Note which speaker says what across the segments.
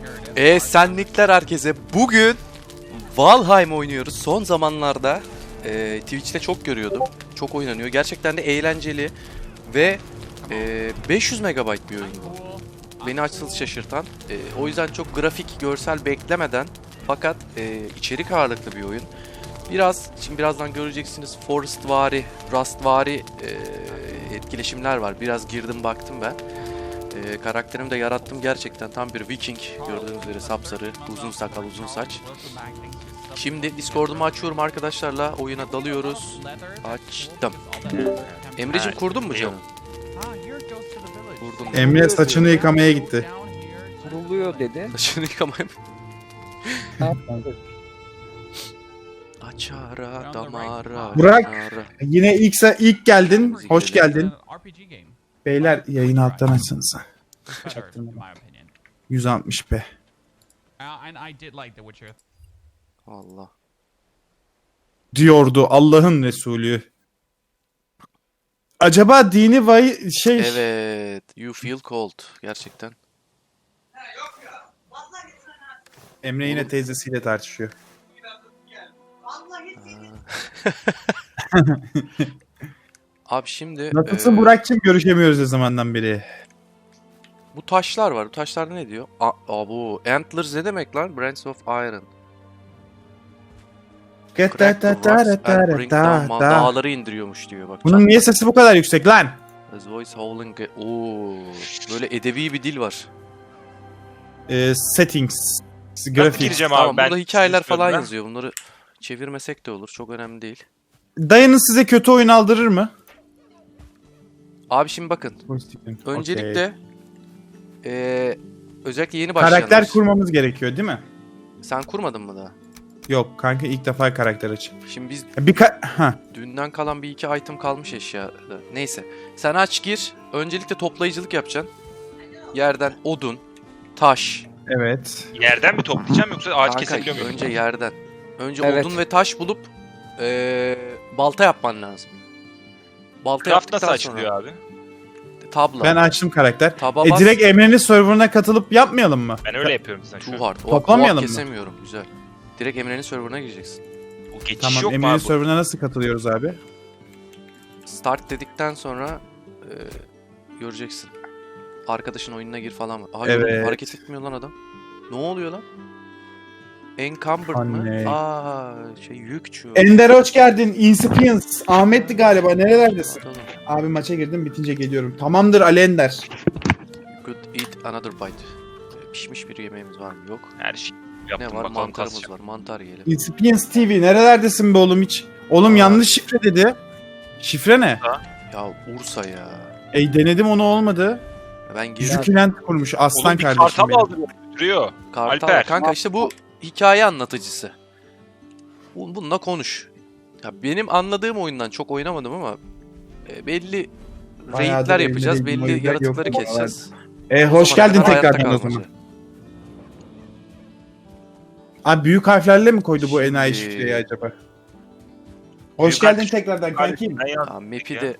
Speaker 1: Senlikler herkese. Bugün Valheim oynuyoruz. Son zamanlarda Twitch'te çok görüyordum. Çok oynanıyor. Gerçekten de eğlenceli ve 500 MB bir oyun bu. Beni açıkçası şaşırtan. O yüzden çok grafik, görsel beklemeden fakat içerik ağırlıklı bir oyun. Şimdi birazdan göreceksiniz Forestvari, Rustvari etkileşimler var. Biraz girdim baktım ben. Karakterimi de yarattım gerçekten. Tam bir Viking. Gördüğünüz üzere sapsarı, uzun sakal, uzun saç. Şimdi Discord'umu açıyorum arkadaşlarla. Oyuna dalıyoruz. Açtım. Emre'cim kurdun mu canım? Kurdum.
Speaker 2: Emre saçını yıkamaya gitti.
Speaker 3: Kuruluyor dedi.
Speaker 1: Saçını yıkamaya mı?
Speaker 3: Ne yaptın?
Speaker 1: Açara damara.
Speaker 2: Burak.
Speaker 1: Açara.
Speaker 2: Yine ilk geldin. Hoş geldin. Beyler yayını alttan açsanıza. 160p.
Speaker 1: Allah.
Speaker 2: Diyordu Allah'ın Resulü. Acaba dini
Speaker 1: Evet. You feel cold. Gerçekten.
Speaker 2: Emre yine teyzesiyle tartışıyor.
Speaker 1: Abi şimdi
Speaker 2: Nasılsın Burak'cığım? Görüşemiyoruz o zamandan beri.
Speaker 1: bu taşlar var. Bu taşlarda ne diyor? Bu Antlers ne demek lan? Brands of Iron. Crack the rocks and bring down dağları indiriyormuş diyor. Bak.
Speaker 2: Bunun niye sesi bu kadar yüksek lan?
Speaker 1: As voice howling. Oo, böyle edebi bir dil var.
Speaker 2: Settings.
Speaker 4: Nasıl
Speaker 2: Grafik.
Speaker 4: gireceğim abi
Speaker 1: Tamam,
Speaker 4: ben?
Speaker 1: burada hikayeler falan
Speaker 4: Ben-
Speaker 1: yazıyor. Bunları çevirmesek de olur. Çok önemli değil.
Speaker 2: Dayınız size kötü oyun aldırır mı?
Speaker 1: Abi şimdi bakın. Öncelikle özellikle yeni başlayanlar.
Speaker 2: Karakter kurmamız gerekiyor değil mi?
Speaker 1: Sen kurmadın mı daha?
Speaker 2: Yok kanka ilk defa karakter açayım.
Speaker 1: Şimdi biz
Speaker 2: Ha.
Speaker 1: dünden kalan bir iki item kalmış eşyada. Neyse. Sen aç gir. Öncelikle toplayıcılık yapacaksın. Yerden odun, taş.
Speaker 2: Evet.
Speaker 4: Yerden mi toplayacağım yoksa ağaç
Speaker 1: Kanka,
Speaker 4: kesebiliyor muyum?
Speaker 1: önce yerden. Önce
Speaker 3: Evet.
Speaker 1: odun ve taş bulup balta yapman lazım. Balta
Speaker 4: Craft nasıl
Speaker 1: yaptıktan sonra
Speaker 4: açılıyor abi?
Speaker 1: tabla.
Speaker 2: Ben açtım karakter.
Speaker 1: Taba bas.
Speaker 2: Direkt Emre'nin serverına katılıp yapmayalım mı?
Speaker 4: Ben öyle yapıyorum zaten şu
Speaker 1: Too
Speaker 4: an.
Speaker 1: hard.
Speaker 2: Toplamayalım mı?
Speaker 1: Kesemiyorum. Güzel. Direkt Emre'nin serverına gireceksin.
Speaker 4: Bu geçiş
Speaker 2: Tamam
Speaker 4: yok mu
Speaker 2: Emre'nin
Speaker 4: abi?
Speaker 2: serverına nasıl katılıyoruz abi?
Speaker 1: Start dedikten sonra göreceksin. Arkadaşın oyununa gir falan. Aha,
Speaker 2: Evet.
Speaker 1: gördün mü? Hareket etmiyor lan adam. Ne oluyor lan? Encumbered
Speaker 2: Anne.
Speaker 1: mı? Yükçü.
Speaker 2: Ender hoş geldin. Inspience. Ahmet'ti galiba. Nerelerdesin?
Speaker 1: Bakalım.
Speaker 2: Abi maça girdim bitince geliyorum. Tamamdır Ali Ender.
Speaker 1: You could eat another bite. Pişmiş bir yemeğimiz var mı? Yok.
Speaker 4: Her şey
Speaker 1: Ne
Speaker 4: yaptım
Speaker 1: var?
Speaker 4: bakalım
Speaker 1: Mantarımız
Speaker 4: kasacağım.
Speaker 1: var. Mantar yiyelim.
Speaker 2: Inspience TV. Nerelerdesin be oğlum hiç? Oğlum
Speaker 1: Aa.
Speaker 2: yanlış şifre dedi. Şifre ne?
Speaker 1: Ya Ursa ya.
Speaker 2: Denedim onu olmadı.
Speaker 1: Ben girdim.
Speaker 2: Zükülent kurmuş. Aslan
Speaker 4: Oğlum bir
Speaker 2: kardeşim
Speaker 4: kartal
Speaker 2: benim.
Speaker 4: aldırıyor. Duruyor.
Speaker 1: Kartal.
Speaker 4: Alper.
Speaker 1: Kanka işte bu hikaye anlatıcısı. Bununla konuş. Ya benim anladığım oyundan çok oynamadım ama belli
Speaker 2: Bayağıdır
Speaker 1: raidler
Speaker 2: elimde
Speaker 1: yapacağız.
Speaker 2: değil, o
Speaker 1: Belli
Speaker 2: yüzden
Speaker 1: yaratıkları
Speaker 2: yok.
Speaker 1: keseceğiz.
Speaker 2: Hoş
Speaker 1: O zamana
Speaker 2: geldin
Speaker 1: kadar hayatta
Speaker 2: tekrardan o
Speaker 1: kalmaca.
Speaker 2: zaman. Abi büyük harflerle mi koydu bu enayi
Speaker 1: Şimdi-
Speaker 2: şifreyi acaba? Hoş
Speaker 4: Büyük
Speaker 2: geldin
Speaker 4: harf-
Speaker 2: tekrardan kankim.
Speaker 4: Ben ya-
Speaker 1: Ya map'i de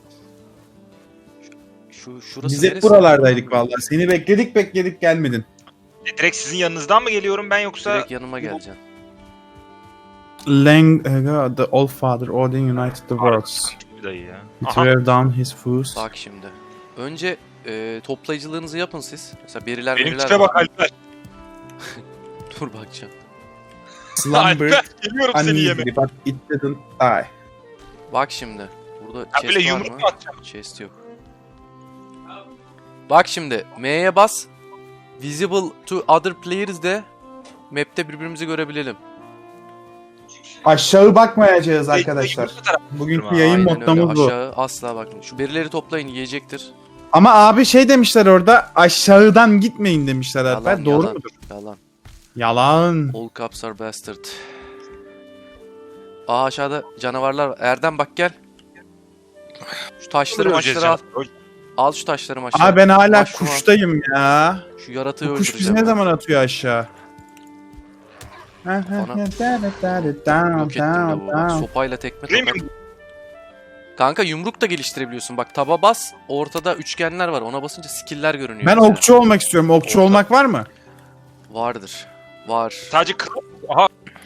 Speaker 1: şurası
Speaker 2: Biz hep
Speaker 1: neresi?
Speaker 2: buralardaydık vallahi. Seni bekledik gelmedin.
Speaker 4: Direkt sizin yanınızdan mı geliyorum ben yoksa?
Speaker 1: Direkt yanıma geleceksin.
Speaker 2: The All Father, Odin united the worlds.
Speaker 4: Bir dayı ya.
Speaker 2: He
Speaker 4: Aha.
Speaker 2: threw down his foes.
Speaker 1: Bak şimdi. Önce toplayıcılığınızı yapın siz. Mesela beriler
Speaker 4: Benim
Speaker 1: meriler
Speaker 4: tipe
Speaker 1: var.
Speaker 4: bak Alper.
Speaker 1: Dur bakacağım.
Speaker 2: Slumbered
Speaker 4: Alper geliyorum seni yeme.
Speaker 2: uneasily but it didn't die.
Speaker 1: Bak şimdi. Burada
Speaker 4: Ha
Speaker 1: chest
Speaker 4: böyle
Speaker 1: var
Speaker 4: yumruk
Speaker 1: mı?
Speaker 4: mu atacağım?
Speaker 1: Chest yok. Bak şimdi. M'ye bas. Visible to other players de map'te birbirimizi görebilelim.
Speaker 2: Aşağı bakmayacağız arkadaşlar.
Speaker 4: Yumruk atarak-
Speaker 2: Bugünkü yayın
Speaker 1: Aynen öyle.
Speaker 2: mottomuz bu.
Speaker 1: Aşağı asla bakmayın. Şu berileri toplayın yiyecektir.
Speaker 2: Ama abi şey demişler orada aşağıdan gitmeyin demişler Alper.
Speaker 1: Yalan,
Speaker 2: Doğru
Speaker 1: yalan,
Speaker 2: mudur?
Speaker 1: Yalan.
Speaker 2: Yalan.
Speaker 1: All cops are bastard. Aşağıda canavarlar var. Erdem bak gel. Şu taşları maçları al. Al şu taşları maçları.
Speaker 2: Abi ben hala
Speaker 1: Bak şu an.
Speaker 2: kuştayım ya.
Speaker 1: Şu yaratığı
Speaker 2: Bu kuş bizi
Speaker 1: öldüreceğim.
Speaker 2: ne zaman atıyor aşağı?
Speaker 1: Yok ettim lavuğu. Bak, sopayla tekme
Speaker 4: Değil
Speaker 1: tokat.
Speaker 4: mi?
Speaker 1: Kanka yumruk da geliştirebiliyorsun. Bak taba bas. Ortada üçgenler var. Ona basınca skill'ler görünüyor.
Speaker 2: Ben
Speaker 1: mesela.
Speaker 2: okçu olmak istiyorum. Okçu
Speaker 1: Orta.
Speaker 2: olmak var mı?
Speaker 1: Vardır. Var.
Speaker 4: Sadece aha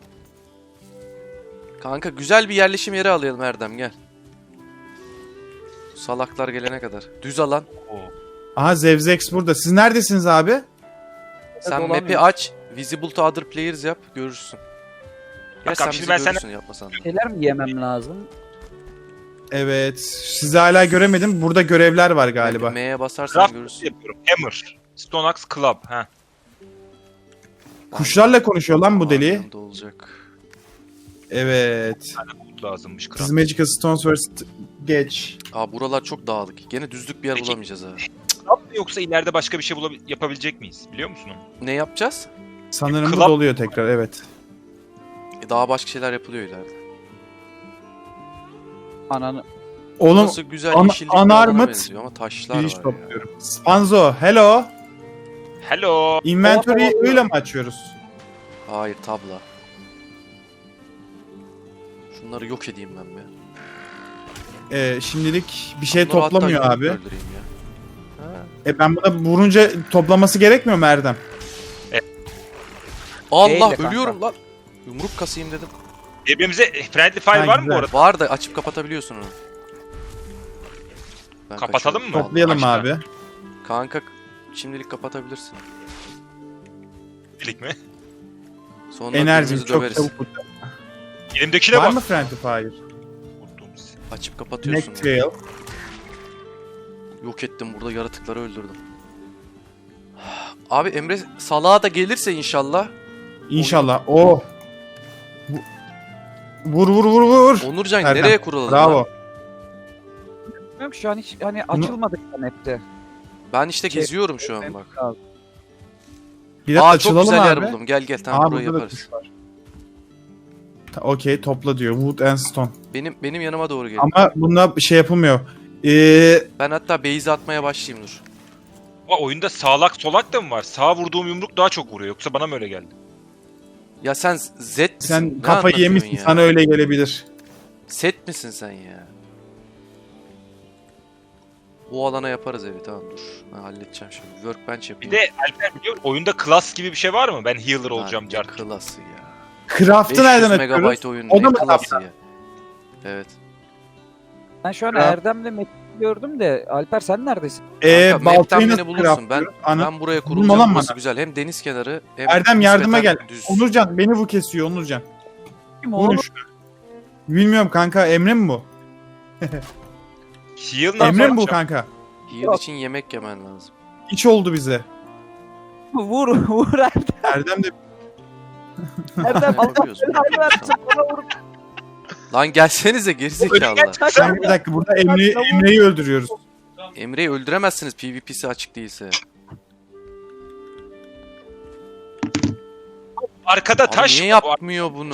Speaker 1: Kanka güzel bir yerleşim yeri alayım Erdem gel. Salaklar gelene kadar. Düz alan.
Speaker 2: Aha Zevzex burada. Siz neredesiniz abi?
Speaker 1: Sen
Speaker 3: dolanıyor.
Speaker 1: map'i aç. Visible to other players yap. Görürsün. Gel
Speaker 4: Kankam,
Speaker 1: sen
Speaker 4: şimdi
Speaker 1: bizi
Speaker 4: ben
Speaker 1: görürsün yapmasan da.
Speaker 3: Şeyler mi yemem lazım?
Speaker 2: Evet. Sizi hala göremedim. Burada görevler var galiba.
Speaker 1: M'ye basarsan
Speaker 4: craft
Speaker 1: görürsün.
Speaker 4: yapıyorum. Hammer. Stone Axe Club. Ha.
Speaker 2: Kuşlarla konuşuyor lan bu deli.
Speaker 1: Yanında olacak.
Speaker 2: Evet.
Speaker 4: Lazımmış
Speaker 2: Siz
Speaker 4: craft.
Speaker 2: Magical Stones First geç.
Speaker 1: Aa buralar çok dağlık. Gene düzlük bir yer
Speaker 4: Peki.
Speaker 1: bulamayacağız ha.
Speaker 4: Craft mı yoksa ileride başka bir şey yapabilecek miyiz? Biliyor musun onu?
Speaker 1: Ne yapacağız?
Speaker 2: Sanırım bu
Speaker 4: Club-
Speaker 2: doluyor tekrar, evet.
Speaker 1: Daha başka şeyler yapılıyor ileride.
Speaker 3: Ananı.
Speaker 2: Oğlum
Speaker 1: Burası güzel yeşillik bir
Speaker 2: unarmored
Speaker 1: alana benziyor ama taşlar
Speaker 2: giriş
Speaker 1: var ya.
Speaker 2: topluyorum. Spanzo, hello.
Speaker 4: Hello.
Speaker 2: Inventory'yi öyle mi açıyoruz?
Speaker 1: Hayır tabla. Şunları yok edeyim ben be.
Speaker 2: Şimdilik bir şey
Speaker 1: Bunları hatta
Speaker 2: toplamıyor
Speaker 1: yumruk
Speaker 2: abi.
Speaker 1: öldüreyim ya. Ha.
Speaker 2: Ben buna vurunca toplaması gerekmiyor mu Erdem?
Speaker 1: Allah
Speaker 3: Değil de kanka.
Speaker 1: ölüyorum lan. Yumruk kasayım dedim.
Speaker 4: Birbirimize friendly fire
Speaker 2: Ha,
Speaker 4: var mı bu
Speaker 2: güzel.
Speaker 4: arada?
Speaker 1: Var da açıp kapatabiliyorsun onu. Ben
Speaker 4: Kapatalım
Speaker 1: kaçıyorum.
Speaker 4: mı?
Speaker 2: Toplayalım
Speaker 4: Başla.
Speaker 2: abi.
Speaker 1: Kanka şimdilik kapatabilirsin.
Speaker 4: Birlik mi?
Speaker 1: Sonra
Speaker 2: Enerjim
Speaker 1: birbirimizi
Speaker 2: çok
Speaker 1: döveriz.
Speaker 2: çabuk bitti.
Speaker 4: Elimdekine
Speaker 2: Var
Speaker 4: bak.
Speaker 2: mı Friendly Fire?
Speaker 4: Unuttuğumuz.
Speaker 1: Açıp kapatıyorsun. ya.
Speaker 2: Necktail.
Speaker 1: Yok ettim burada yaratıkları öldürdüm. Abi Emre salağa da gelirse inşallah.
Speaker 2: İnşallah. Oh. Vur vur vur vur.
Speaker 1: Onurcan
Speaker 2: Erdem,
Speaker 1: nereye kuralım?
Speaker 2: Bravo.
Speaker 1: Lan?
Speaker 3: Bilmiyorum ki şu an hiç hani açılmadık hepte.
Speaker 1: Ben işte
Speaker 3: Şey-
Speaker 1: geziyorum şu an bak.
Speaker 2: Bir dakika
Speaker 1: Aa çok
Speaker 2: açılalım
Speaker 1: güzel yer
Speaker 2: abi.
Speaker 1: buldum. Gel gel tamam
Speaker 2: Aa,
Speaker 1: burayı
Speaker 2: burada da
Speaker 1: yaparız.
Speaker 2: kuş var. Okey, topla diyor. Wood and Stone.
Speaker 1: Benim yanıma doğru gel.
Speaker 2: Ama bunda bir şey yapılmıyor.
Speaker 1: Ben hatta base atmaya başlayayım dur.
Speaker 4: Aa, oyunda sağlak solak da mı var? Sağa vurduğum yumruk daha çok vuruyor. Yoksa bana mı öyle geldi?
Speaker 1: Ya sen Z misin?
Speaker 2: Sen
Speaker 1: Ne
Speaker 2: kafayı
Speaker 1: anlatıyorsun
Speaker 2: yemişsin.
Speaker 1: ya?
Speaker 2: Sana öyle gelebilir.
Speaker 1: Set misin sen ya? Bu alana yaparız evi tamam dur. Ben halledeceğim şimdi. Workbench
Speaker 4: Bir
Speaker 1: yapayım.
Speaker 4: de Alper biliyor musun? Oyunda class gibi bir şey var mı? Ben healer olacağım
Speaker 1: ne
Speaker 4: cart.
Speaker 1: klası ya.
Speaker 2: Craft'ı
Speaker 1: 500
Speaker 2: nereden
Speaker 1: megabyte
Speaker 2: açıyoruz?
Speaker 1: oyun
Speaker 2: O da
Speaker 1: ne
Speaker 2: mı
Speaker 1: klası
Speaker 2: tablet?
Speaker 1: ya. Evet.
Speaker 3: Ben şu an
Speaker 2: Ha.
Speaker 3: Erdem'le Metin'i gördüm de Alper sen neredesin?
Speaker 1: Kanka, map'ten
Speaker 2: Baltayı
Speaker 1: beni
Speaker 2: nasıl
Speaker 1: bulursun.
Speaker 2: craftlıyorum?
Speaker 1: Ben buraya
Speaker 2: Bulun
Speaker 1: kurulacağım.
Speaker 2: olan
Speaker 1: Burası
Speaker 2: bana.
Speaker 1: güzel. Hem deniz kenarı hem
Speaker 2: Erdem yardıma gel.
Speaker 1: nispeten düz.
Speaker 2: Onurcan beni bu kesiyor Onurcan.
Speaker 3: Kim
Speaker 2: Vurun
Speaker 3: oğlum?
Speaker 2: şunu. Bilmiyorum kanka, Emre mi bu?
Speaker 4: Heal ne
Speaker 2: Emre mi bu
Speaker 4: yapacağım?
Speaker 2: kanka?
Speaker 1: Heal için yemek yemen lazım.
Speaker 2: İç oldu bize.
Speaker 3: Vur vur Erdem.
Speaker 2: Erdem de
Speaker 3: Erdem
Speaker 1: Ne
Speaker 3: Allah
Speaker 1: yapıyorsun?
Speaker 3: belanı versin. Bana vur.
Speaker 1: Lan gelsenize gerizekalılar.
Speaker 2: sen bir dakika burada Emre'yi öldürüyoruz.
Speaker 1: Emre'yi öldüremezsiniz PvP'si açık değilse.
Speaker 4: Arkada
Speaker 1: Abi
Speaker 4: taş.
Speaker 1: niye yapmıyor bunu?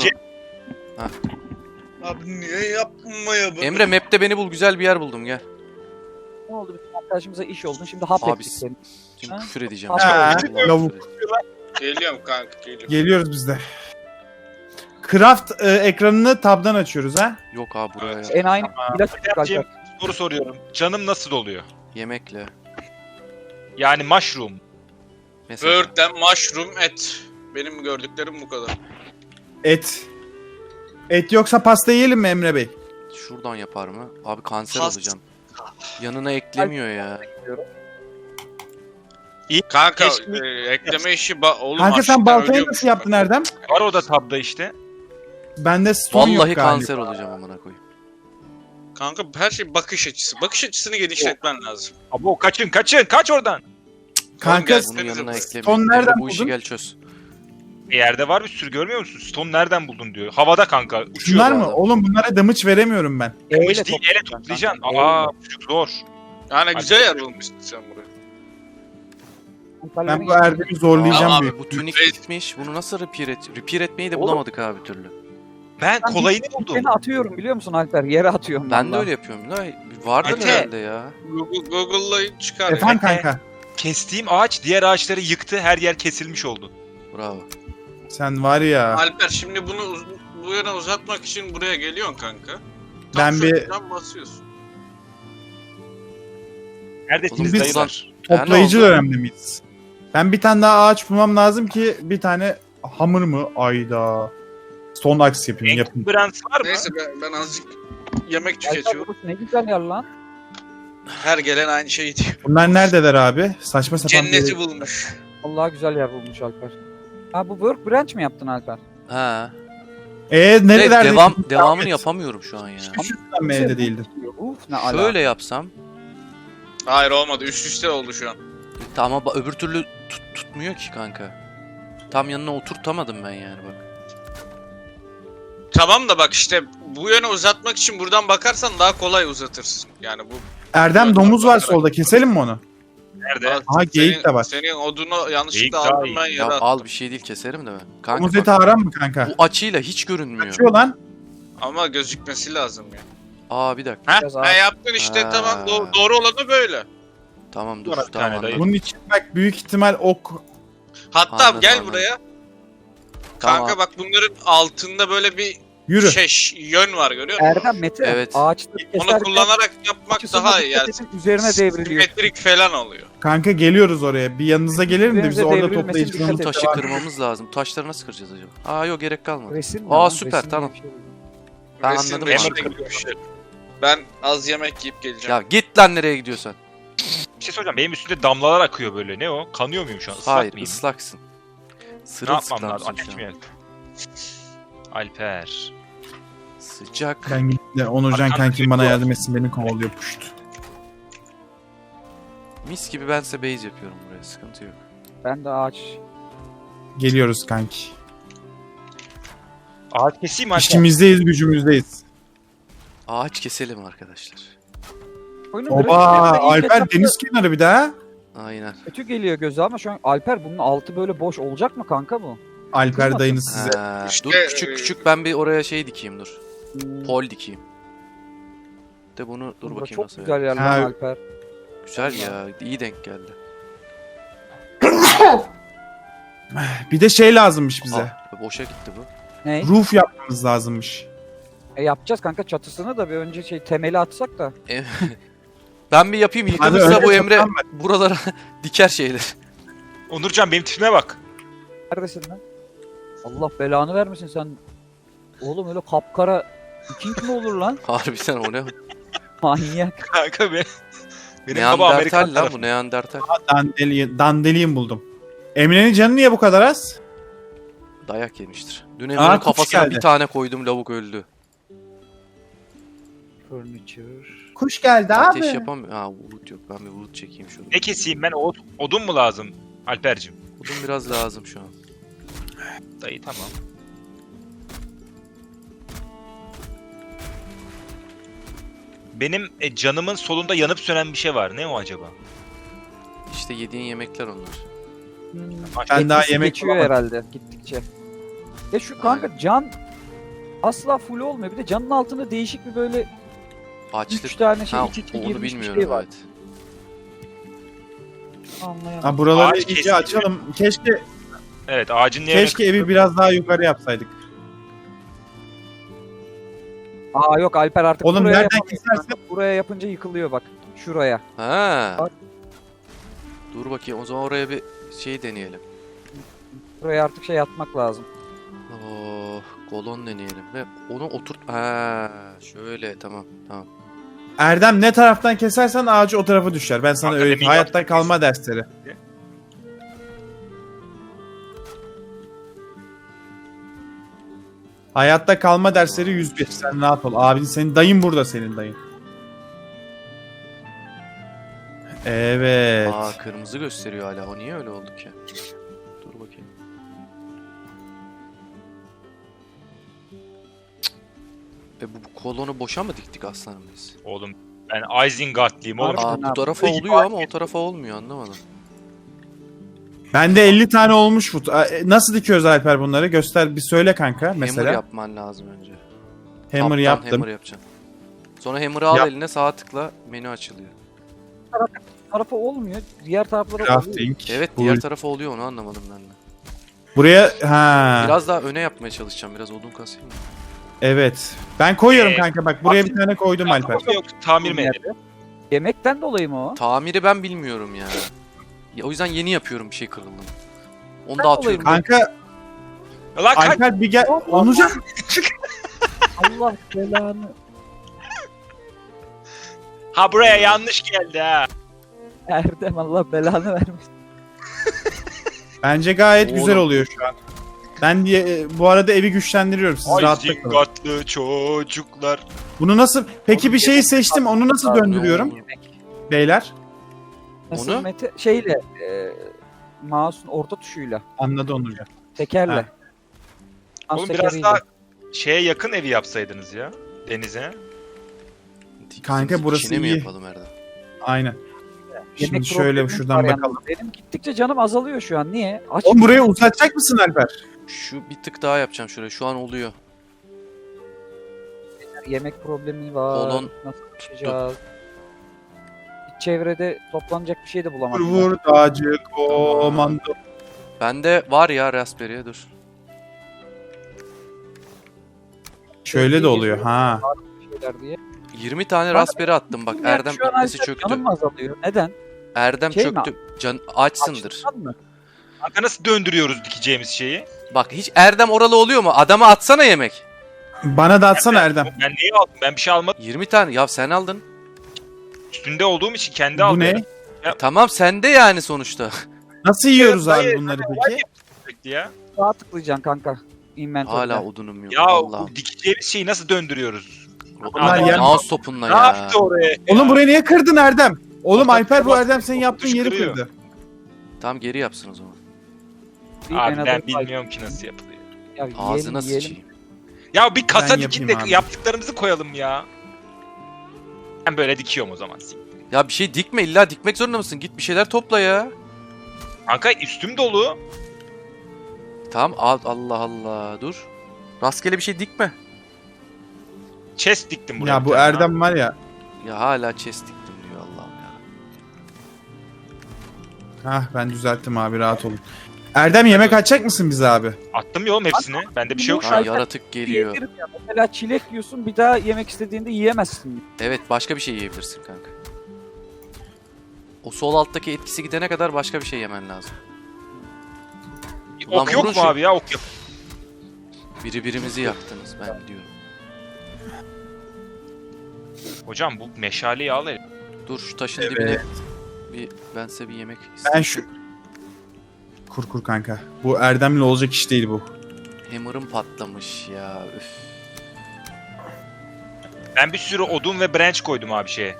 Speaker 5: Abi niye yapmaya bunu?
Speaker 1: Emre map'te beni bul güzel bir yer buldum gel.
Speaker 3: Ne oldu? Bizim arkadaşımıza iş oldun. Şimdi hap
Speaker 1: Abi,
Speaker 3: ettik seni.
Speaker 1: Şimdi
Speaker 3: Ha?
Speaker 1: küfür edeceğim.
Speaker 3: Ha,
Speaker 1: Vallahi küfür
Speaker 2: lavuk.
Speaker 1: edeceğim.
Speaker 5: Geliyorum kanka geliyorum.
Speaker 2: Geliyoruz biz de. Craft ekranını tab'dan açıyoruz ha.
Speaker 1: Yok abi buraya yap.
Speaker 3: En aynı ilaç
Speaker 4: Alperciğim,
Speaker 3: Alper.
Speaker 4: soru soruyorum. Canım nasıl oluyor?
Speaker 1: Yemekle.
Speaker 4: Yani mushroom.
Speaker 1: Mesela.
Speaker 5: Bird'den mushroom et. Benim gördüklerim bu kadar.
Speaker 2: Et. Et yoksa pasta yiyelim mi Emre Bey?
Speaker 1: Şuradan yapar mı? Abi kanser
Speaker 5: Pas-
Speaker 1: olacağım. Yanına eklemiyor ya.
Speaker 5: Kanka
Speaker 4: Keşke-
Speaker 5: ekleme işi oğlum
Speaker 2: Kanka sen
Speaker 5: açlıktan
Speaker 2: baltayı
Speaker 5: ölüyormuş
Speaker 2: nasıl yaptın
Speaker 5: bak.
Speaker 2: Erdem?
Speaker 4: Var o da tabda işte.
Speaker 2: Bende stone
Speaker 1: Vallahi
Speaker 2: yok galiba.
Speaker 1: kanser olacağım amına koyayım.
Speaker 5: Kanka her şey bakış açısı. Bakış açısını genişletmen lazım.
Speaker 4: Abo kaçın kaç oradan.
Speaker 2: Kanka
Speaker 5: Gel.
Speaker 1: Bunun yanına
Speaker 5: Stone
Speaker 1: eklemiyor.
Speaker 2: nereden
Speaker 1: Bu işi
Speaker 2: buldun?
Speaker 1: gel çöz.
Speaker 4: Yerde var bir sürü görmüyor musun? Stone nereden buldun diyor. Havada kanka. Uçuyor.
Speaker 2: Şunlar mı?
Speaker 1: adam.
Speaker 2: Oğlum bunlara damage veremiyorum ben.
Speaker 3: Eyle
Speaker 4: Kılıç değil ele
Speaker 3: toplayacaksın
Speaker 4: toplayacaksın.
Speaker 3: kanka,
Speaker 4: Aa
Speaker 3: eyle.
Speaker 4: bu çocuk zor.
Speaker 5: Yani güzel yer bulmuşsun sen burayı.
Speaker 2: Ben bu Erdem'i zorlayacağım
Speaker 5: Tamam
Speaker 2: büyük.
Speaker 1: Bu tunik
Speaker 5: Reis-
Speaker 1: bitmiş. Bunu nasıl repair etmeyi de
Speaker 3: Oğlum.
Speaker 1: bulamadık abi bir türlü.
Speaker 4: Ben
Speaker 3: Ben
Speaker 4: kolayını buldum.
Speaker 3: Seni atıyorum biliyor musun Alper? Yere atıyorum.
Speaker 1: Ben de
Speaker 3: vallahi.
Speaker 1: öyle yapıyorum. Ne? Vardır
Speaker 4: Mete.
Speaker 1: herhalde ya.
Speaker 5: Google'la çıkar.
Speaker 2: Efendim
Speaker 4: Mete.
Speaker 2: kanka.
Speaker 4: Kestiğim ağaç diğer ağaçları yıktı. Her yer kesilmiş oldu.
Speaker 1: Bravo.
Speaker 2: Sen var ya.
Speaker 5: Alper şimdi bunu bu yana uzatmak için buraya geliyorsun kanka.
Speaker 2: Ben bir-
Speaker 5: şuradan basıyorsun.
Speaker 4: Neredesiniz
Speaker 1: Oğlum
Speaker 2: biz-
Speaker 4: dayılar?
Speaker 2: Toplayıcı
Speaker 1: oldu?
Speaker 2: dönemde miyiz? Ben bir tane daha ağaç bulmam lazım ki bir tane hamur mu? Ayda. Son aks yapayım. Yapın.
Speaker 4: Brand var mı?
Speaker 5: Neyse ben azıcık yemek
Speaker 3: Alper
Speaker 5: tüketiyorum.
Speaker 3: burası ne güzel yer lan.
Speaker 5: Her gelen aynı şeyi diyor.
Speaker 2: Bunlar neredeler abi? Saçma sapan bir-
Speaker 5: Cenneti bulmuş.
Speaker 3: Allah güzel yer bulmuş Alper. Ha bu workbench mi yaptın Alper?
Speaker 1: Ha.
Speaker 2: Nerelerde?
Speaker 1: Devamını yapamıyorum şu an ya.
Speaker 2: Hiç yüzden mi elde değildin?
Speaker 3: Uf ne ala.
Speaker 1: Şöyle yapsam.
Speaker 5: Hayır olmadı. Üst üste oldu şu an.
Speaker 1: Tamam ama öbür türlü tutmuyor ki kanka. Tam yanına oturtamadım ben yani bak.
Speaker 5: Tamam da bak işte bu yöne uzatmak için buradan bakarsan daha kolay uzatırsın. Yani bu
Speaker 2: Erdem domuz var solda. Keselim mi onu?
Speaker 4: Nerede?
Speaker 2: Aha, geyik de var.
Speaker 5: Senin odunu yanlışlıkla
Speaker 4: Geyik daha
Speaker 5: aldım
Speaker 4: iyi.
Speaker 5: ben
Speaker 1: Ya
Speaker 5: yere attım.
Speaker 1: al bir şey değil keserim de ben. Kanka
Speaker 2: Domuz
Speaker 1: bak,
Speaker 2: eti aram mı kanka?
Speaker 1: bu açıyla hiç görünmüyor.
Speaker 2: Kaçıyor lan.
Speaker 5: Ama gözükmesi lazım ya.
Speaker 1: Aa bir dakika.
Speaker 5: Heh,
Speaker 3: Biraz
Speaker 5: ha
Speaker 3: ağır.
Speaker 5: yaptın işte
Speaker 1: Ha.
Speaker 5: tamam doğru olanı böyle.
Speaker 1: Tamam dur
Speaker 4: Var bir tane
Speaker 1: tamam
Speaker 4: dayı.
Speaker 1: anladım.
Speaker 2: Bunun için bak büyük ihtimal ok.
Speaker 5: Hatta
Speaker 1: Anladım,
Speaker 5: gel
Speaker 1: anladım.
Speaker 5: buraya.
Speaker 1: Tamam.
Speaker 5: Kanka bak bunların altında böyle bir
Speaker 2: Yürü.
Speaker 5: yön var görüyor musun?
Speaker 3: Erdem Mete
Speaker 1: Evet.
Speaker 3: ağaçları
Speaker 5: Onu
Speaker 3: keserken
Speaker 5: kullanarak yapmak
Speaker 3: açısına
Speaker 5: daha iyi.
Speaker 3: dikkat
Speaker 5: Yani
Speaker 3: edin, üzerine devriliyor.
Speaker 5: simetrik falan oluyor.
Speaker 2: Kanka geliyoruz oraya. Bir yanınıza gelelim de biz
Speaker 3: Üzerinize
Speaker 2: orada
Speaker 3: devrilmesin,
Speaker 2: toplayıcı
Speaker 3: dikkat
Speaker 1: Bu
Speaker 3: edin.
Speaker 1: taşı
Speaker 2: devam.
Speaker 1: kırmamız lazım. Taşları nasıl kıracağız acaba? Aa yok gerek kalmadı.
Speaker 3: Resim
Speaker 1: Aa,
Speaker 3: lan,
Speaker 1: süper,
Speaker 3: resim
Speaker 1: tamam.
Speaker 3: diye bir şey.
Speaker 1: Ben
Speaker 5: Resim
Speaker 1: anladım,
Speaker 5: resim
Speaker 1: anladım.
Speaker 5: gibi bir şey. Ben az yemek yiyip geleceğim.
Speaker 1: Ya git lan nereye gidiyorsan.
Speaker 4: Bir şey soracağım. Benim üstümde damlalar akıyor böyle. Ne o? Kanıyor muyum şu an? Islak
Speaker 1: Hayır
Speaker 4: mıyım?
Speaker 1: ıslaksın.
Speaker 4: Ne yapmam
Speaker 1: Sırılsıklamsın
Speaker 4: lazım?
Speaker 1: şu
Speaker 4: Ateş
Speaker 1: an.
Speaker 4: mi yak? Alper.
Speaker 1: Sıcak.
Speaker 2: Ben gittim de Onurcan
Speaker 4: Arkamda
Speaker 2: kankim
Speaker 4: bir
Speaker 2: bana
Speaker 4: bu.
Speaker 2: yardım etsin. Beni kovalıyor puşt.
Speaker 1: Mis gibi bense base yapıyorum buraya. Sıkıntı yok.
Speaker 3: Ben de ağaç.
Speaker 2: Geliyoruz kanki.
Speaker 4: Ağaç keseyim Alper.
Speaker 2: İşimizdeyiz, gücümüzdeyiz.
Speaker 1: Ağaç keselim arkadaşlar.
Speaker 3: Oyunun
Speaker 2: Oba,
Speaker 3: grafiklerinde ilk
Speaker 2: Alper
Speaker 3: etapta
Speaker 2: deniz kenarı bir daha.
Speaker 1: Aynen.
Speaker 3: kötü geliyor göze ama şu an Alper bunun altı böyle boş olacak mı kanka bu?
Speaker 2: Alper
Speaker 3: Kızmasın.
Speaker 2: dayınız size.
Speaker 1: Ha,
Speaker 5: İşte,
Speaker 1: dur küçük küçük ben bir oraya şey dikeyim dur. Pol dikeyim. De bunu dur
Speaker 3: Burada
Speaker 1: bakayım
Speaker 3: çok
Speaker 1: nasıl.
Speaker 3: güzel yer
Speaker 2: Ha.
Speaker 3: lan Alper.
Speaker 1: Güzel ya. İyi denk geldi.
Speaker 2: Bir de şey lazımmış bize.
Speaker 1: Aa, boşa gitti bu.
Speaker 3: Ne?
Speaker 2: Roof yapmamız lazımmış.
Speaker 3: Yapacağız kanka çatısını da bir önce temeli atsak da.
Speaker 1: Ben bir yapayım.
Speaker 2: Hadi
Speaker 1: Yıkılırsa
Speaker 2: öyle
Speaker 1: bu Emre
Speaker 2: yapalım
Speaker 1: buralara diker şeyler.
Speaker 4: Onurcan benim tipime bak.
Speaker 3: Neredesin lan? Allah belanı vermesin sen. Oğlum öyle kapkara Viking mi olur lan?
Speaker 1: Harbiden o ne?
Speaker 3: Manyak.
Speaker 4: Kanka benim baba Amerikan
Speaker 1: Neandertal lan
Speaker 4: tarafı.
Speaker 1: bu Neandertal.
Speaker 2: Dandelion buldum. Emre'nin canı niye bu kadar az?
Speaker 1: Dayak yemiştir. Dün
Speaker 2: Aa,
Speaker 1: Emre'nin
Speaker 2: kuş
Speaker 1: kafasına
Speaker 2: geldi.
Speaker 1: bir tane koydum lavuk öldü.
Speaker 3: Furniture.
Speaker 2: Kuş geldi
Speaker 1: Ateş yapamıyor. Ha wood yok. Ben bir wood çekeyim şurada.
Speaker 4: Ne keseyim ben? Odun mu lazım Alper'cim?
Speaker 1: Odun biraz lazım şu an.
Speaker 4: Dayı tamam. Benim canımın solunda yanıp sönen bir şey var. Ne o acaba?
Speaker 1: İşte yediğin yemekler onlar.
Speaker 2: Ben daha
Speaker 3: Etkisi
Speaker 2: yemek
Speaker 3: geçiyor
Speaker 2: bulamadım.
Speaker 3: herhalde gittikçe. Ya şu kanka can asla full olmuyor. Bir de canın altında değişik bir böyle 3
Speaker 1: Açlık.
Speaker 3: tane şey
Speaker 1: Ha,
Speaker 3: iç içe
Speaker 1: onu
Speaker 3: girmiş bir
Speaker 1: bilmiyorum
Speaker 3: şey var.
Speaker 1: evet.
Speaker 3: Anlayamadım.
Speaker 2: Ha, buraları
Speaker 4: Ağaç
Speaker 2: iyice
Speaker 4: kesiliyor.
Speaker 2: açalım. Keşke
Speaker 4: Evet ağacın niye
Speaker 2: keşke evi biraz daha yukarı yapsaydık.
Speaker 3: Aa yok Alper artık
Speaker 2: Oğlum
Speaker 3: buraya
Speaker 2: nereden
Speaker 3: yapamıyor.
Speaker 2: kesersen
Speaker 3: Buraya yapınca yıkılıyor bak. Şuraya.
Speaker 1: Ha.
Speaker 3: Bak.
Speaker 1: Dur bakayım o zaman oraya bir şey deneyelim.
Speaker 3: Buraya artık şey atmak lazım.
Speaker 1: Oh, kolon deneyelim ve onu oturt. Ha, şöyle tamam tamam.
Speaker 2: Erdem ne taraftan kesersen ağacı o tarafa düşer. Ben sana
Speaker 4: Hakikaten
Speaker 2: öğreteyim.
Speaker 4: iyi
Speaker 2: Hayatta
Speaker 4: yaptın.
Speaker 2: kalma dersleri. Hayatta kalma dersleri 101. Sen rahat ol. Abin senin dayın burada senin dayın. Evet.
Speaker 1: Aa kırmızı gösteriyor hala. O niye öyle oldu ki? Dur bakayım. Cık. Bu kolonu boşa mı diktik aslanım biz?
Speaker 4: Oğlum ben Isengard'lıyım oğlum.
Speaker 3: Harbiden.
Speaker 1: Aa bu tarafa
Speaker 4: Peki,
Speaker 1: oluyor ama o tarafa olmuyor anlamadım.
Speaker 2: Bende 50 tane olmuş bu. Nasıl dikiyoruz Alper bunları? Göster bir söyle kanka mesela.
Speaker 1: Hammer yapman lazım önce.
Speaker 2: Hammer
Speaker 1: Taptan
Speaker 2: yaptım.
Speaker 1: Hammer yapacaksın. Sonra hammer'ı al
Speaker 2: Yap.
Speaker 1: eline sağ tıkla menü açılıyor.
Speaker 3: Tarafa olmuyor. Diğer taraflara oluyor.
Speaker 2: Crafting.
Speaker 1: Evet
Speaker 2: Bu-
Speaker 1: diğer tarafa oluyor onu anlamadım ben de.
Speaker 2: Buraya ha.
Speaker 1: Biraz daha öne yapmaya çalışacağım. Biraz odun kasayım mı?
Speaker 2: Evet. Ben koyuyorum
Speaker 4: Ee,
Speaker 2: kanka bak buraya bir tane koydum Alper.
Speaker 4: Yok tamir mi edelim?
Speaker 3: Yemekten dolayı mı o?
Speaker 1: Tamiri ben bilmiyorum ya. Ya, o yüzden yeni yapıyorum bir şey kırıldım. Onu
Speaker 3: Ben
Speaker 1: da atıyorum.
Speaker 3: olayım.
Speaker 2: Kanka
Speaker 4: Lan kaç.
Speaker 2: Alper bir gel. Onurcan.
Speaker 3: Allah belanı.
Speaker 4: Ha buraya yanlış geldi ha.
Speaker 3: Erdem Allah belanı vermiş.
Speaker 2: Bence gayet
Speaker 1: Oğlum.
Speaker 2: güzel oluyor şu an. Ben bu arada evi güçlendiriyorum. Siz
Speaker 4: Ay
Speaker 2: rahatta kalın.
Speaker 4: zingatlı çocuklar.
Speaker 2: Bunu nasıl... Peki
Speaker 4: Oğlum,
Speaker 2: bir şeyi seçtim. Onu nasıl
Speaker 3: Abi,
Speaker 2: döndürüyorum
Speaker 1: ne
Speaker 2: beyler?
Speaker 3: Nasıl
Speaker 1: Onu?
Speaker 3: Mete? Şeyle mouse'un orta tuşuyla.
Speaker 2: Anladı Onurcan.
Speaker 3: Tekerle.
Speaker 2: Ha.
Speaker 3: Mouse
Speaker 4: Oğlum biraz
Speaker 3: tekeriyle.
Speaker 4: daha şeye yakın evi yapsaydınız ya. Denize.
Speaker 2: Kanka, burası
Speaker 1: İçine mi
Speaker 2: iyi.
Speaker 1: yapalım Erdem?
Speaker 2: Aynen. Şimdi
Speaker 3: Yemek
Speaker 2: şöyle
Speaker 3: problemimiz
Speaker 2: şuradan
Speaker 3: var yalnız.
Speaker 2: bakalım.
Speaker 3: Benim gittikçe canım azalıyor şu an. Niye? Aç.
Speaker 2: Oğlum burayı uzatacak mısın Alper?
Speaker 1: Şu bir tık daha yapacağım şuraya. Şu an oluyor.
Speaker 3: Yemek problemi var.
Speaker 1: Kolon
Speaker 3: Nasıl yaşayacağız? Hiç çevrede toplanacak bir şey de
Speaker 2: Vur
Speaker 3: bulamadım.
Speaker 2: vur dağcı komando.
Speaker 1: Bende var ya Raspberry'e dur.
Speaker 2: Şöyle de oluyor ha.
Speaker 3: Şeyler diye.
Speaker 1: 20 tane
Speaker 3: Ben-
Speaker 1: Raspberry attım bak.
Speaker 3: Yani
Speaker 1: Erdem
Speaker 3: şu an
Speaker 1: kitlesi
Speaker 3: Alper
Speaker 1: çöktü.
Speaker 3: Canım azalıyor. Neden?
Speaker 1: Erdem
Speaker 3: Şey mi?
Speaker 1: çöktü. Açsındır.
Speaker 3: Açlıktan mı?
Speaker 4: Kanka nasıl döndürüyoruz dikeceğimiz şeyi?
Speaker 1: Bak hiç Erdem oralı oluyor mu? Adama atsana yemek.
Speaker 2: Bana da atsana Erdem.
Speaker 4: Ben neyi aldım? Ben bir şey almadım.
Speaker 1: 20 tane. Ya sen aldın.
Speaker 4: Üstünde olduğum için kendi
Speaker 2: Bu
Speaker 4: aldım.
Speaker 2: ne?
Speaker 1: Tamam sende yani sonuçta.
Speaker 2: Nasıl yiyoruz abi
Speaker 4: Hayır,
Speaker 2: bunları peki?
Speaker 4: Sürekli ya.
Speaker 3: Sağa tıklayacaksın kanka. Inventory'de.
Speaker 1: Hala odunum yok.
Speaker 4: Ya
Speaker 1: Allah'ım.
Speaker 4: bu dikeceğimiz şeyi nasıl döndürüyoruz?
Speaker 2: Bunlar yer-
Speaker 1: Mouse topunla
Speaker 4: Ne
Speaker 1: ya.
Speaker 4: yaptı oraya?
Speaker 2: Oğlum burayı niye kırdın Erdem? Oğlum
Speaker 4: Ortak
Speaker 2: Alper bu
Speaker 4: temas-
Speaker 2: Erdem senin yaptığın yeri
Speaker 4: kırıyor.
Speaker 2: kırdı.
Speaker 1: Tamam geri yapsın o zaman.
Speaker 3: Bir
Speaker 4: Abi
Speaker 3: Anadolu
Speaker 4: ben
Speaker 3: Fire-
Speaker 4: bilmiyorum ki nasıl yapılıyor.
Speaker 3: Ya yiyelim,
Speaker 1: Ağzına
Speaker 3: yiyelim.
Speaker 1: sıçayım.
Speaker 4: Ya bir kasa
Speaker 2: Ben
Speaker 4: dikin de
Speaker 2: yapayım abi.
Speaker 4: yaptıklarımızı koyalım ya. Ben böyle dikiyorum o zaman.
Speaker 1: Ya bir şey dikme, illa dikmek zorunda mısın? Git bir şeyler topla ya.
Speaker 4: Kanka üstüm dolu.
Speaker 1: Tamam al, Allah Allah dur. Rastgele bir şey dikme.
Speaker 4: Chest diktim buraya.
Speaker 2: Ya
Speaker 4: bir
Speaker 2: bu
Speaker 4: tane
Speaker 2: Erdem var ya.
Speaker 1: Ya hala chest diktim diyor Allah'ım ya.
Speaker 2: Hah ben düzelttim abi rahat olun. Erdem yemek açacak mısın bize abi?
Speaker 4: abi. Attım ya oğlum hepsini. Bende bir şey yok şu
Speaker 1: Ha,
Speaker 4: an.
Speaker 1: yaratık geliyor.
Speaker 3: Yerim ya. Mesela çilek yiyorsun bir daha yemek istediğinde yiyemezsin.
Speaker 1: Evet başka bir şey yiyebilirsin kanka. O sol alttaki etkisi gidene kadar başka bir şey yemen lazım. Ulan
Speaker 4: Ok yok
Speaker 1: vurun
Speaker 4: mu
Speaker 1: şu-
Speaker 4: abi ya? Ok yok.
Speaker 1: Birimizi yaktınız ben biliyorum.
Speaker 4: Hocam bu meşaleyi al hele.
Speaker 1: Dur şu taşın
Speaker 2: Evet.
Speaker 1: dibine ben size bir yemek
Speaker 2: Ben
Speaker 1: isteyeyim.
Speaker 2: şu... Kur kanka. Bu Erdem'le olacak iş değil bu.
Speaker 1: Hammer'ım patlamış ya. Üf.
Speaker 4: Ben bir sürü odun ve branch koydum abi şeye.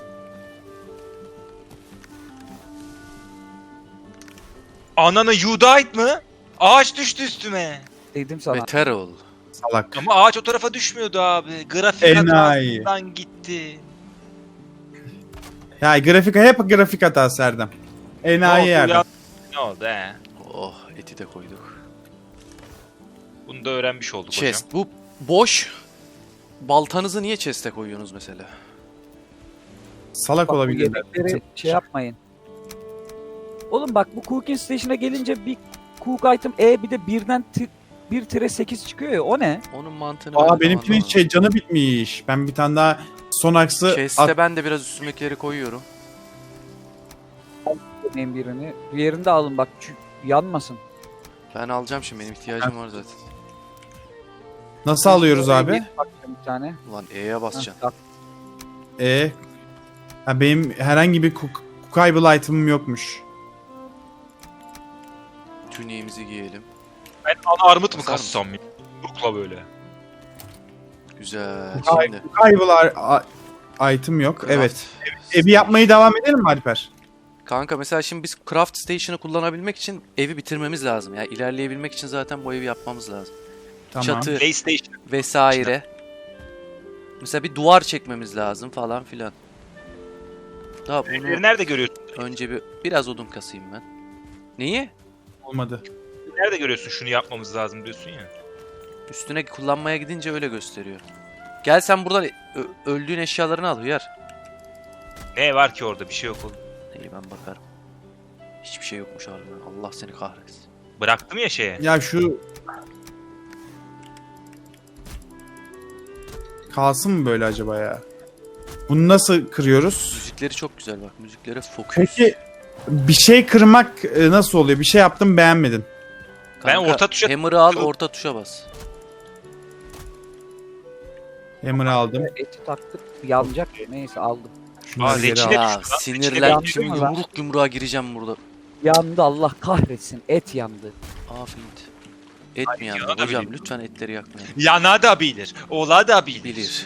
Speaker 4: Ananı you died mı? Ağaç düştü üstüme.
Speaker 3: Dedim sana.
Speaker 1: Beter ol.
Speaker 2: Salak.
Speaker 4: Ama ağaç o tarafa düşmüyordu abi. Grafik
Speaker 2: Enayi.
Speaker 4: hatasından gitti.
Speaker 2: Ya hep grafik hatası Erdem. Enayi
Speaker 4: Ne oldu
Speaker 2: Erdem.
Speaker 4: ya? Ne oldu he?
Speaker 1: Oh eti de koyduk.
Speaker 4: Bunu da öğrenmiş olduk
Speaker 1: Chest. Bu boş. Baltanızı niye chest'e koyuyorsunuz mesela?
Speaker 2: Salak
Speaker 3: Bak, bu
Speaker 2: olabilirler.
Speaker 3: yemekleri şey yapmayın. Oğlum bak bu cooking station'a gelince bir cook item bir de birden 1-8 çıkıyor ya o ne?
Speaker 1: Onun mantığını ben
Speaker 2: Aa
Speaker 1: de
Speaker 2: benimkinin
Speaker 1: anlamadım.
Speaker 2: canı bitmiş. Ben bir tane daha son aksı
Speaker 1: Chest'e ben de biraz üstümdekileri koyuyorum.
Speaker 3: Yemeğin birini. Diğerini de alın bak yanmasın.
Speaker 1: Ben alacağım şimdi benim ihtiyacım var zaten.
Speaker 2: Nasıl alıyoruz abi?
Speaker 3: Bakacağım bir tane.
Speaker 1: Ulan E'ye basacaksın.
Speaker 3: Bak,
Speaker 2: Ha, benim herhangi bir cookable item'ım yokmuş.
Speaker 1: Tuniğimizi giyelim.
Speaker 4: Ben ana armut mu
Speaker 1: Basar mısın?
Speaker 4: kassam ya? Rukla böyle.
Speaker 1: Güzel.
Speaker 2: Ay,
Speaker 1: Şimdi.
Speaker 2: Cookable item yok.
Speaker 1: Craft
Speaker 2: Evet. Evi yapmayı devam edelim mi Alper?
Speaker 1: Kanka mesela şimdi biz craft station'ı kullanabilmek için evi bitirmemiz lazım. Yani ilerleyebilmek için zaten bu evi yapmamız lazım.
Speaker 2: Tamam.
Speaker 1: Çatı
Speaker 4: PlayStation.
Speaker 1: vesaire. Mesela bir duvar çekmemiz lazım falan filan. Daha bunu
Speaker 4: Evleri nerede görüyorsun?
Speaker 1: önce biraz odun kasayım ben. Neyi?
Speaker 2: Olmadı.
Speaker 4: Nerede görüyorsun şunu yapmamız lazım diyorsun ya.
Speaker 1: Üstüne kullanmaya gidince öyle gösteriyor. Gel sen buradan öldüğün eşyalarını al Hıyar.
Speaker 4: Ne var ki orada bir şey yok oğlum.
Speaker 1: İyi ben bakarım. Hiçbir şey yokmuş harbiden. Allah seni kahretsin.
Speaker 4: Bıraktım ya şeye.
Speaker 2: Ya şu... Kalsın mı böyle acaba ya? Bunu nasıl kırıyoruz?
Speaker 1: Müzikleri çok güzel bak. Müziklere fokus.
Speaker 2: Peki Bir şey kırmak nasıl oluyor? Bir şey yaptım beğenmedin.
Speaker 4: Ben orta tuşa-
Speaker 1: Hammer'ı al, orta tuşa bas.
Speaker 2: Hammer'ı aldım.
Speaker 3: Eti taktık yanacak. Neyse aldım.
Speaker 2: Şunları geri
Speaker 4: reçine-
Speaker 2: al.
Speaker 1: Ya
Speaker 4: düştü lan,
Speaker 1: sinirlendim.
Speaker 3: içine
Speaker 1: Şimdi
Speaker 3: düştü.
Speaker 1: yumruk yumruğa gireceğim burada.
Speaker 3: Yandı Allah kahretsin. Et yandı.
Speaker 1: Afiyet. Et mi yandı?
Speaker 4: yana da
Speaker 1: Hocam
Speaker 4: bilir.
Speaker 1: lütfen etleri yakmayın.
Speaker 4: Yana da bilir. Ola da bilir.
Speaker 1: Bilir.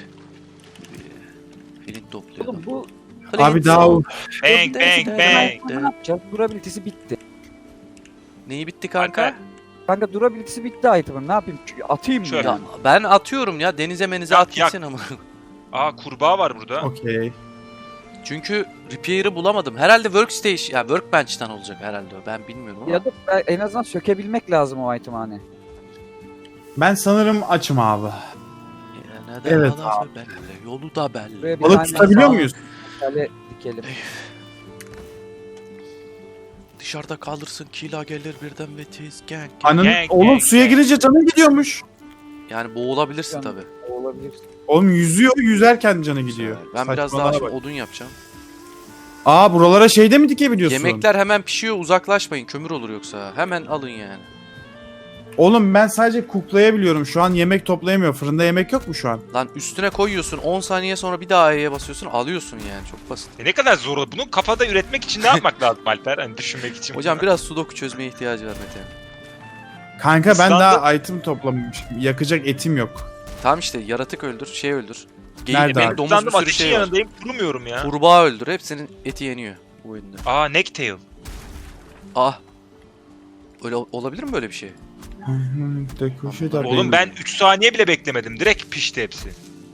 Speaker 1: Flint topluyordum.
Speaker 3: Oğlum bu
Speaker 2: Abi daha
Speaker 4: Bang bang bang.
Speaker 3: ne yapacağız? Durability'si bitti.
Speaker 1: Neyi bitti kanka?
Speaker 4: Kanka.
Speaker 3: Kanka durability'si bitti item'ın. Ne yapayım? Atayım mı?
Speaker 4: Şöyle.
Speaker 1: Ya, ben atıyorum ya denize menize
Speaker 4: Yak,
Speaker 1: at gitsin ama.
Speaker 4: Aa kurbağa var burada.
Speaker 2: okey.
Speaker 1: Çünkü repair'ı bulamadım. Herhalde workstation, ya workbench'ten olacak herhalde o. Ben bilmiyorum ama.
Speaker 3: Ya da en azından sökebilmek lazım o item'ı hani.
Speaker 2: Ben sanırım açım abi.
Speaker 1: Ya neden
Speaker 2: Evet
Speaker 1: alası belli, yolu da belli.
Speaker 3: Buraya bir
Speaker 2: Balık
Speaker 3: tane
Speaker 2: tutabiliyor
Speaker 3: sağ-
Speaker 2: muyuz?
Speaker 3: Şöyle dikelim.
Speaker 1: Dışarıda kalırsın, kila gelir birden ve tiz gang.
Speaker 2: Anın,
Speaker 4: Gang,
Speaker 2: oğlum
Speaker 4: gang,
Speaker 2: suya
Speaker 4: gang.
Speaker 2: girince canı gidiyormuş.
Speaker 1: Yani boğulabilirsin
Speaker 3: Yani-
Speaker 1: tabi.
Speaker 3: Olabilir.
Speaker 2: Oğlum yüzüyor, yüzerken canı gidiyor.
Speaker 1: Ben biraz daha
Speaker 2: Saçmalığa
Speaker 1: şimdi
Speaker 2: bak.
Speaker 1: odun yapacağım.
Speaker 2: Aa buralara şeyde mi dikebiliyorsun?
Speaker 1: Yemekler hemen pişiyor, uzaklaşmayın. Kömür olur yoksa. Hemen alın yani.
Speaker 2: Oğlum ben sadece kuklayabiliyorum. Şu an yemek toplayamıyor. Fırında yemek yok mu şu an?
Speaker 1: Lan üstüne koyuyorsun, 10 saniye sonra bir daha E'ye basıyorsun, alıyorsun yani. Çok basit.
Speaker 4: Ne kadar zor. Bunu kafada üretmek için ne yapmak lazım Alper? Hani düşünmek için.
Speaker 1: Hocam biraz sudoku çözmeye ihtiyacı var Mete.
Speaker 2: Kanka ben
Speaker 4: İslam'da-
Speaker 2: daha item toplamamışım. Yakacak etim yok.
Speaker 1: Tamam işte yaratık öldür, şey öldür. Geyik,
Speaker 2: Nerede
Speaker 1: benim
Speaker 2: abi?
Speaker 1: domuz
Speaker 4: Sandım
Speaker 1: bir sürü
Speaker 4: ateşin
Speaker 1: şey var.
Speaker 4: yanındayım. Kurumuyorum ya.
Speaker 1: Kurbağa öldür, hepsinin eti yeniyor bu oyunda.
Speaker 4: Aa necktail.
Speaker 1: Ah. Öyle olabilir mi böyle bir şey?
Speaker 4: Oğlum ben 3 saniye bile beklemedim. Direkt pişti hepsi.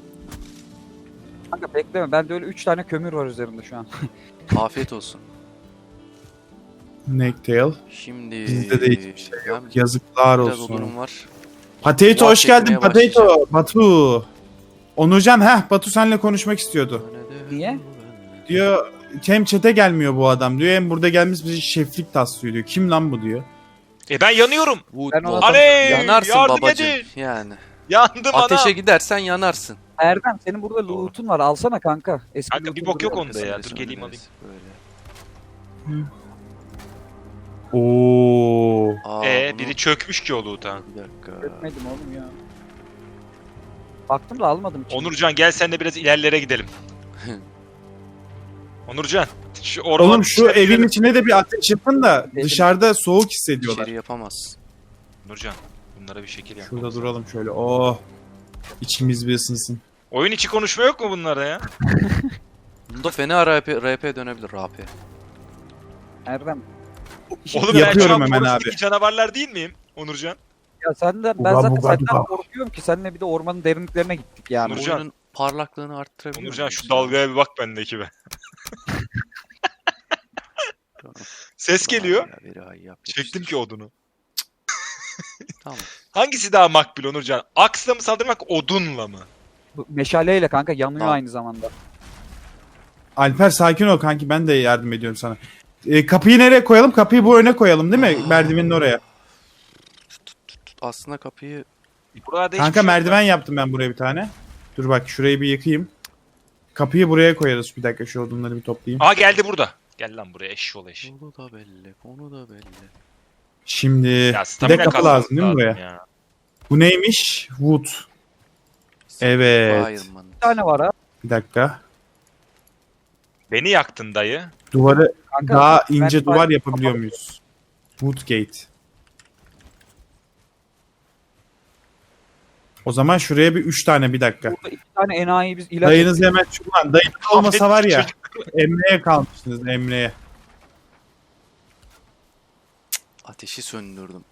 Speaker 3: Kanka bekleme. Bende öyle 3 tane kömür var üzerinde şu an.
Speaker 1: Afiyet olsun.
Speaker 2: Necktail.
Speaker 1: Şimdi
Speaker 2: Bizde de hiçbir şey
Speaker 1: ben
Speaker 2: Yazıklar
Speaker 1: biraz
Speaker 2: olsun.
Speaker 1: odunum var.
Speaker 2: Potato hoş
Speaker 1: Muhabbet
Speaker 2: geldin
Speaker 1: etmeye
Speaker 2: Potato. Batu. Onurcan Batu seninle konuşmak istiyordu.
Speaker 3: Niye?
Speaker 2: Diyor hem chat'e gelmiyor bu adam diyor hem burada gelmiş bizi şeflik taslıyor diyor. Kim lan bu diyor.
Speaker 4: Ben yanıyorum.
Speaker 1: Wood
Speaker 3: Ben ona-
Speaker 1: wall.
Speaker 4: Aley!
Speaker 1: Yanarsın
Speaker 4: Yardım
Speaker 1: babacığım.
Speaker 4: edin!
Speaker 1: Yani.
Speaker 4: Yandım
Speaker 1: Ateşe
Speaker 4: ana.
Speaker 1: gidersen yanarsın.
Speaker 3: Erdem senin burada loot'un var. Alsana kanka. Eski
Speaker 4: Kanka,
Speaker 3: loot'un
Speaker 4: bir bok yok
Speaker 3: duruyor.
Speaker 4: onda ya.
Speaker 1: Öyle
Speaker 4: Dur geleyim
Speaker 1: söyleriz,
Speaker 4: alayım.
Speaker 1: Böyle.
Speaker 2: Oo.
Speaker 1: Aa, bunu-
Speaker 4: Biri çökmüş ki o loot'a.
Speaker 1: Bir dakika.
Speaker 3: Etmedim oğlum ya. Baktım da almadım. içine.
Speaker 4: Onurcan gel sen de biraz ilerlere gidelim. Onurcan. Şu orman
Speaker 2: Oğlum şu
Speaker 4: içine
Speaker 2: evin
Speaker 4: gidelim.
Speaker 2: içine de bir ateş yapın da
Speaker 3: Evin-
Speaker 2: dışarıda soğuk hissediyorlar.
Speaker 1: İçeri yapamaz.
Speaker 4: Onurcan. Bunlara bir şekil yap.
Speaker 2: Şurada duralım şöyle. Oh. İçimiz bir ısınsın.
Speaker 4: Oyun içi konuşma yok mu bunlarda ya?
Speaker 1: Bunda fena RP dönebilir. RP.
Speaker 3: Erdem.
Speaker 4: Oğlum
Speaker 2: Yapıyorum
Speaker 4: ben şu an
Speaker 2: hemen
Speaker 4: Forest'taki
Speaker 2: abi.
Speaker 4: canavarlar değil miyim? Onurcan.
Speaker 3: Ya senden ben
Speaker 2: Uga
Speaker 3: zaten
Speaker 2: buga
Speaker 3: senden
Speaker 2: buga.
Speaker 3: korkuyorum ki seninle bir de ormanın derinliklerine gittik yani.
Speaker 4: Onurcan.
Speaker 1: Oyunun parlaklığını arttırabilir
Speaker 4: Onurcan
Speaker 1: miyiz?
Speaker 4: şu dalgaya bir bak bendeki be.
Speaker 1: Tamam.
Speaker 4: Ses geliyor.
Speaker 1: Ya, biri ay yap,
Speaker 4: Çektim
Speaker 1: yapıştır.
Speaker 4: ki odunu.
Speaker 1: Tamam.
Speaker 4: Hangisi daha makbul Onurcan? Aksla mı saldırmak odunla mı?
Speaker 3: Bu meşaleyle kanka yanıyor
Speaker 1: Tamam.
Speaker 3: aynı zamanda.
Speaker 2: Alper sakin ol kanki ben de yardım ediyorum sana. Kapıyı nereye koyalım? Kapıyı bu öne koyalım değil mi? Merdivenin oraya.
Speaker 1: Aslında kapıyı
Speaker 4: Burada hiçbir
Speaker 2: Kanka
Speaker 4: şey yok
Speaker 2: merdiven yaptım ben buraya bir tane. Dur bak şurayı bir yıkayayım. Kapıyı buraya koyarız. Bir dakika şu odunları bir toplayayım.
Speaker 4: Aa geldi burada. Gel lan buraya eşşoğlu eş.
Speaker 1: konu da belli, konu da belli.
Speaker 2: Şimdi
Speaker 4: Ya
Speaker 2: bir de
Speaker 4: stamina
Speaker 2: kapı
Speaker 4: kasmamız
Speaker 2: lazım değil mi buraya?
Speaker 4: ya.
Speaker 2: Bu neymiş? Wood. Evet.
Speaker 1: Fireman.
Speaker 3: Bir tane var ha.
Speaker 2: Bir dakika.
Speaker 4: Beni yaktın dayı.
Speaker 2: Duvarı
Speaker 3: Kanka,
Speaker 2: daha
Speaker 3: ben-
Speaker 2: ince
Speaker 3: ben-
Speaker 2: duvar yapabiliyor muyuz? Woodgate. O zaman şuraya bir 3 tane bir dakika.
Speaker 3: Burada 2 tane enayi biz ilaç
Speaker 2: Dayınız hemen şuradan. Dayınız olmasa var ya.
Speaker 4: Çocuk.
Speaker 2: Emre'ye kalmışsınız Emre'ye.
Speaker 1: Ateşi söndürdüm.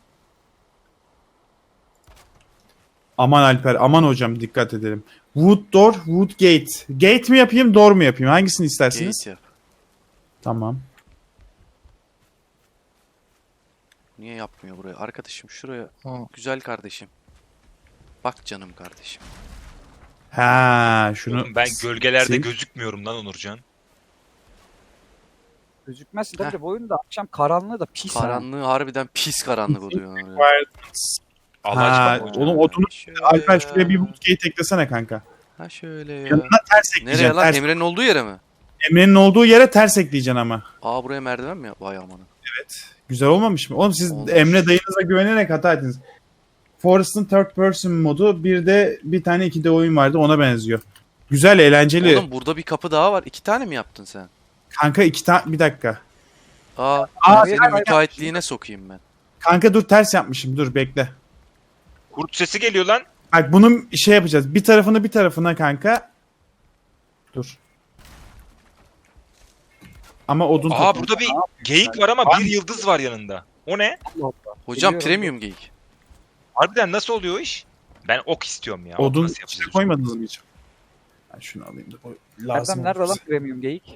Speaker 2: Aman Alper, aman hocam dikkat edelim. Wood door, wood gate. Gate mi yapayım, door mu yapayım? Hangisini istersiniz?
Speaker 1: Gate yap.
Speaker 2: Tamam.
Speaker 1: Niye yapmıyor buraya? Arkadaşım şuraya. Güzel kardeşim. Bak canım kardeşim.
Speaker 2: Ha, şunu
Speaker 4: Oğlum ben gölgelerde
Speaker 2: sil.
Speaker 4: gözükmüyorum lan Onurcan.
Speaker 3: gözükmezsin. Tabii de bu oyunda akşam karanlığı da pis ha.
Speaker 1: Karanlığı harbiden pis karanlık oluyor. oraya.
Speaker 4: Allah
Speaker 2: Ha,
Speaker 4: aşkına.
Speaker 2: oğlum odunu
Speaker 1: Şöyle
Speaker 2: Alper
Speaker 1: ya.
Speaker 2: şuraya bir wood gate eklesene kanka.
Speaker 1: Ha şöyle ya.
Speaker 2: Yanına ters
Speaker 1: Nereye
Speaker 2: ekleyeceksin.
Speaker 1: lan?
Speaker 2: Ters.
Speaker 1: Emre'nin olduğu yere mi?
Speaker 2: Emre'nin olduğu yere ters ekleyeceksin ama.
Speaker 1: Aa buraya merdiven mi? Vay amanın.
Speaker 2: Güzel olmamış mı? Oğlum siz
Speaker 1: Olmuş.
Speaker 2: Emre dayınıza güvenerek hata ettiniz. Forest'ın third person modu bir de bir tane 2D oyun vardı ona benziyor. Güzel eğlenceli.
Speaker 1: Oğlum burada bir kapı daha var. 2 tane mi yaptın sen?
Speaker 2: Kanka iki tane bir dakika.
Speaker 1: Aa,
Speaker 2: Aa,
Speaker 1: senin
Speaker 3: hayır,
Speaker 1: müteahhitliğine sokayım ben.
Speaker 2: Kanka dur ters yapmışım dur bekle.
Speaker 4: Kurt sesi geliyor lan.
Speaker 2: Bak bunun şey yapacağız. Bir tarafını bir tarafına kanka. Dur. Ama odun
Speaker 4: Aa
Speaker 2: topla.
Speaker 4: burada bir geyik var ama bir yıldız var yanında. O ne?
Speaker 1: Hocam
Speaker 3: Biliyorum.
Speaker 1: premium geyik.
Speaker 4: Harbiden nasıl oluyor o iş? Ben ok istiyorum ya. Ok
Speaker 2: Odun
Speaker 4: nasıl
Speaker 2: içine
Speaker 4: yapılıyor?
Speaker 2: koymadınız mı hiç? Ben şunu alayım da o lazım.
Speaker 3: Erdem nerede
Speaker 2: olur
Speaker 3: lan
Speaker 2: bize.
Speaker 3: premium geyik?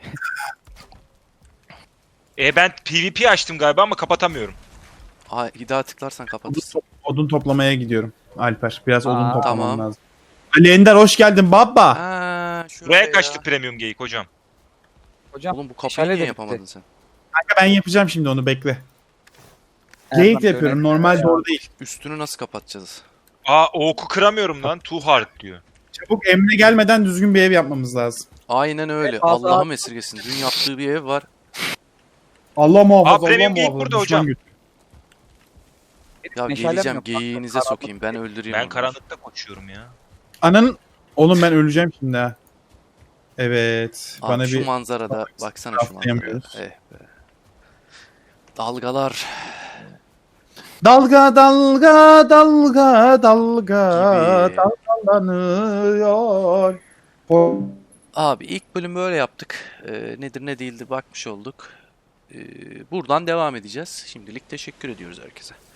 Speaker 4: Ben PvP açtım galiba ama kapatamıyorum.
Speaker 1: Aa, bir daha tıklarsan kapatırsın.
Speaker 2: Odun toplamaya gidiyorum Alper. Biraz odun
Speaker 3: Aa,
Speaker 2: toplamam
Speaker 1: tamam.
Speaker 2: lazım. Ali Ender hoş geldin baba.
Speaker 1: Aa, şuraya
Speaker 4: Buraya
Speaker 1: ya.
Speaker 4: kaçtı premium geyik hocam.
Speaker 3: Hocam
Speaker 1: Oğlum bu kapıyı
Speaker 3: meşale
Speaker 1: niye
Speaker 3: de
Speaker 1: yapamadın
Speaker 3: bitti.
Speaker 1: sen?
Speaker 2: Kanka ben yapacağım şimdi onu bekle.
Speaker 3: Erdem
Speaker 2: Geyik de
Speaker 3: şöyle-
Speaker 2: yapıyorum. Normal doğru değil.
Speaker 1: Üstünü nasıl kapatacağız?
Speaker 4: Aa o oku kıramıyorum lan. Too hard diyor.
Speaker 2: Çabuk Emre gelmeden düzgün bir ev yapmamız lazım.
Speaker 1: Aynen öyle.
Speaker 3: fazla-
Speaker 1: Allah'ım esirgesin. Dün yaptığı bir ev var.
Speaker 2: Allah muhafaza.
Speaker 4: Aa, premium
Speaker 2: Allah
Speaker 4: geyik
Speaker 2: muhafaza.
Speaker 4: burada
Speaker 2: Düşman
Speaker 4: hocam.
Speaker 2: götü.
Speaker 1: Ya
Speaker 3: Meşalem
Speaker 1: geleceğim
Speaker 3: yok.
Speaker 1: geyiğinize sokayım. Ben öldüreyim
Speaker 4: Ben
Speaker 1: onu.
Speaker 4: karanlıkta koşuyorum ya.
Speaker 2: Ananın... Oğlum ben öleceğim şimdi ha. Evet.
Speaker 1: Abi
Speaker 2: bana
Speaker 1: şu
Speaker 2: bir...
Speaker 1: manzarada baksana şu manzaraya.
Speaker 2: Atlayamıyoruz.
Speaker 1: Eh be. Dalgalar
Speaker 2: Dalga dalga dalga dalga
Speaker 1: gibi.
Speaker 2: dalgalanıyor.
Speaker 1: Abi ilk bölüm böyle yaptık. Nedir ne değildir bakmış olduk. Buradan devam edeceğiz. Şimdilik teşekkür ediyoruz herkese.